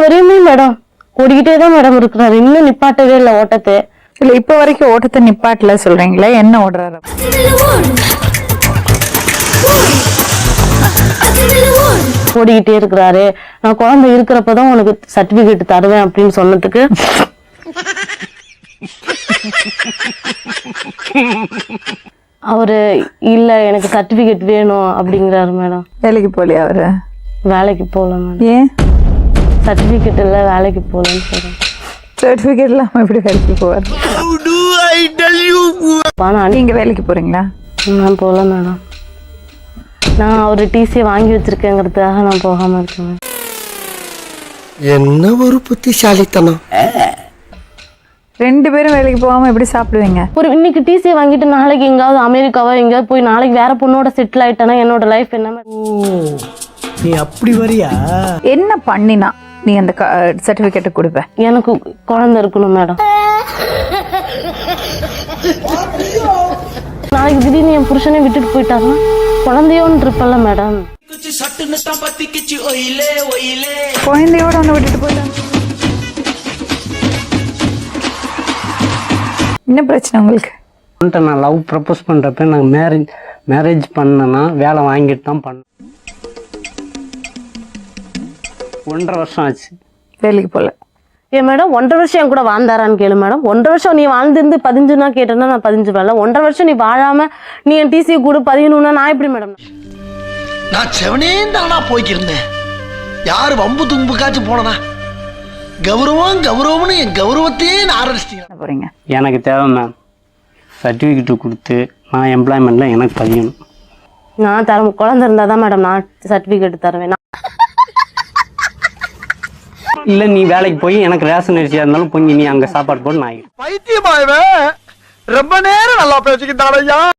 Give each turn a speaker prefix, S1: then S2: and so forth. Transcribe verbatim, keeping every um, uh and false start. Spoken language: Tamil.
S1: வரையுமே மேடம் ஓடிக்கிட்டே தான் மேடம் இருக்கிறாரு, இன்னும் நிப்பாட்டவே இல்லை ஓட்டத்தை.
S2: இல்ல இப்ப வரைக்கும் ஓட்டத்தை நிப்பாட்டல சொல்றீங்களா? என்ன ஓடுறாரு?
S1: ஓடிக்கிட்டே இருக்கிறாரு. நான் குழந்தை இருக்கிறப்பதான் உனக்கு சர்டிபிகேட் தருவேன் அப்படின்னு சொன்னதுக்கு அவரு இல்ல எனக்கு சர்டிபிகேட் வேணும் அப்படிங்கிறாரு மேடம்.
S2: வேலைக்கு போலியா அவரு?
S1: வேலைக்கு போகல மேடம்.
S2: ஏன்?
S1: சர்டிபிகேட் இல்ல வேலைக்கு போகலன்னு சொல்றேன்.
S2: சர்டிபிகேட் இல்லாம எப்படி வேலைக்கு போவார்? நீங்க வேலைக்கு போறீங்களா?
S1: நான் போகல மேடம். நான் அவரு டிசி வாங்கி வச்சிருக்கேங்கிறதுக்காக நான் போகாம இருக்கேன்.
S3: என்ன ஒரு புத்திசாலித்தனம்.
S2: ரெண்டு பேரும் வேலைக்கு போகாம எப்படி சாப்பிடுவீங்க?
S1: ஒரு இன்னைக்கு டிசி வாங்கிட்டு நாளைக்கு எங்காவது அமெரிக்காவோ எங்கேயாவது போய் நாளைக்கு வேற பொண்ணோட செட்டில் ஆயிட்டேன்னா என்னோட லைஃப் என்ன?
S4: நீ அப்படி வரியா?
S2: என்ன பண்ணினா நீ அந்த சர்டிபிகேட் கொடுப்ப?
S1: எனக்கு குழந்தை இருக்கணும் மேடம். நாளைக்கு திடீர்னு என் புருஷனை விட்டுட்டு போயிட்டாருன்னா குழந்தையோன்னு இருப்பல்ல மேடம்.
S2: குழந்தையோட ஒண்ணு விட்டுட்டு போயிட்டாங்க. என்ன பிரச்சனை உங்களுக்கு?
S4: நான் லவ் ப்ரப்போஸ் பண்றப்ப நான் மேரேஜ் மேரேஜ் பண்ணனா வேலை வாங்கிட்டு தான் பண்ணேன். ஒன்றரை வருஷம் ஆச்சு
S2: வேலைக்கு போல.
S1: ஏன் மேடம் ஒன்றரை வருஷம் என் கூட வாழ்ந்தாரான்னு கேளு மேடம். ஒன்றரை வருஷம் நீ வாழ்ந்திருந்து பதிஞ்சுன்னா கேட்டேன்னா நான் பதிஞ்சு வரல. ஒன்றரை வருஷம் நீ வாழாம நீ என் டிசி கூட பதியணும்னா நான் எப்படி மேடம்?
S3: நான் செவனே தானா போய்க்கிருந்தேன். யாரு வம்பு தும்புக்காச்சும் போனனா கௌரவம் கௌரவம்னு என் கௌரவத்தையே ஆரம்பிச்சிட்டீங்க
S2: போறீங்க.
S4: எனக்கு தேவை மேம் சர்டிஃபிகேட் கொடுத்து நான் எம்ப்ளாய்மெண்ட்ல எனக்கு பதியணும்.
S1: நான் தர குழந்தை இருந்தா தான் மேடம் நான் சர்டிஃபிகேட் தருவேன்.
S4: இல்ல நீ வேலைக்கு போய் எனக்கு ரேஷன் அரிசியா இருந்தாலும் பொங்கி நீ அங்க சாப்பாடு போட்டு நான்
S3: பைத்தியமாயவே ரொம்ப நேரம் நல்லா பேசிக்கிட்டாரையா.